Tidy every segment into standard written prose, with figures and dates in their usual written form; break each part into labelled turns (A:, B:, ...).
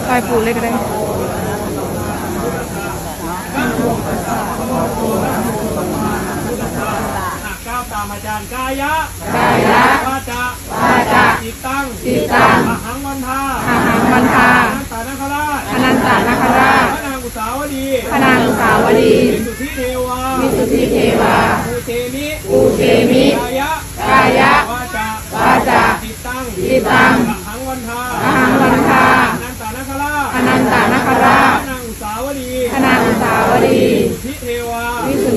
A: ปล่อยปูเลยก็ได้
B: ก้าวตามอาจารย์กายะวาจาจิตตังอหังวันทาอนันตานาคราชพระนางอุสาวดีวิสุทธิเทวาภูเทมิกายะวาจาจิตตังอหังวันทาอนันตานาคราชพระนางอุสาวดีวิสุทธิเทวา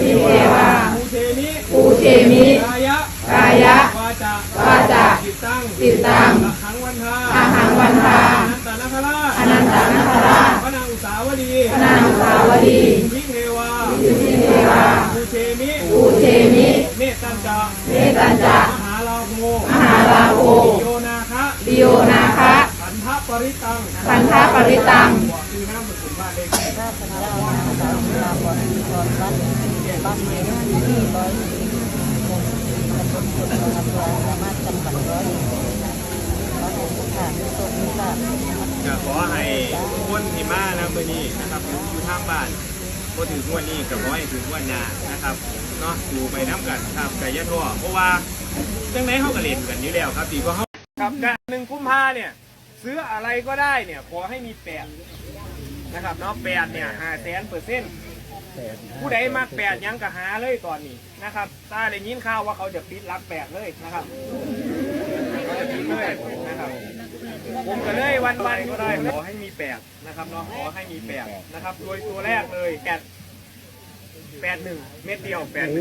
B: ภูเทมิกายะวาจาจิตตังอหังวันทาอนันตานาคราชพระนางอุสาวดีวิสุทธิเทวาภูเทมิเมตตัญจามหาลาโภโยนาคะขันธปริตังคือน้ำผสมบ้านเลยขอให้คนที่มานะมื้อนี้นะครับอยู่ทางบ้านพอถึงวันนี้ก็ขอให้ถึงวันหน้านะครับเนาะอยู่ไปน้ำกันครับไก่ยะทั่วเพราะว่าจังไหนเขาก็เล่นกันอยู่แล้วครับตีก็เขาครับการ1 กุมภาเนี่ยซื้ออะไรก็ได้เนี่ยขอให้มี8นะครับเนาะ8เนี่ย500,000%ผู้ใดมาก8ยังก็หาเลยตอนนี้นะครับถ้าได้ยินข่าวว่าเขาจะปิดรับ8เลยนะครับเขาจะปิดเลยนะครับผมก็เลยวันก็ได้ขอให้มี8นะครับเนาะขอให้มี8นะครับโดยตัวแรกเลย81เม็ดเดียว81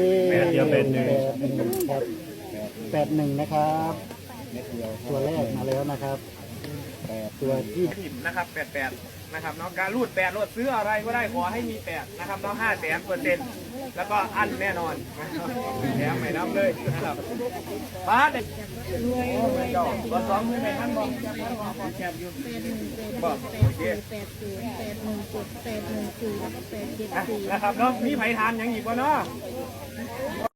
C: นะครับตัวแรกมาแล้วนะครับตัวที่
B: นะครับ88นะครับเนาะการรูด8รูดซื้ออะไรก็ได้ขอให้มี8นะครับเนาะ500,000%แล้วก็อันแน่นอนแถมไม่น้ำเลยนะครับป้าเด็กรถ2มือในท่านบอกแคบอยู่บอกโอเคนะครับเนาะมีไผ่ทานยังอีกวะเนาะ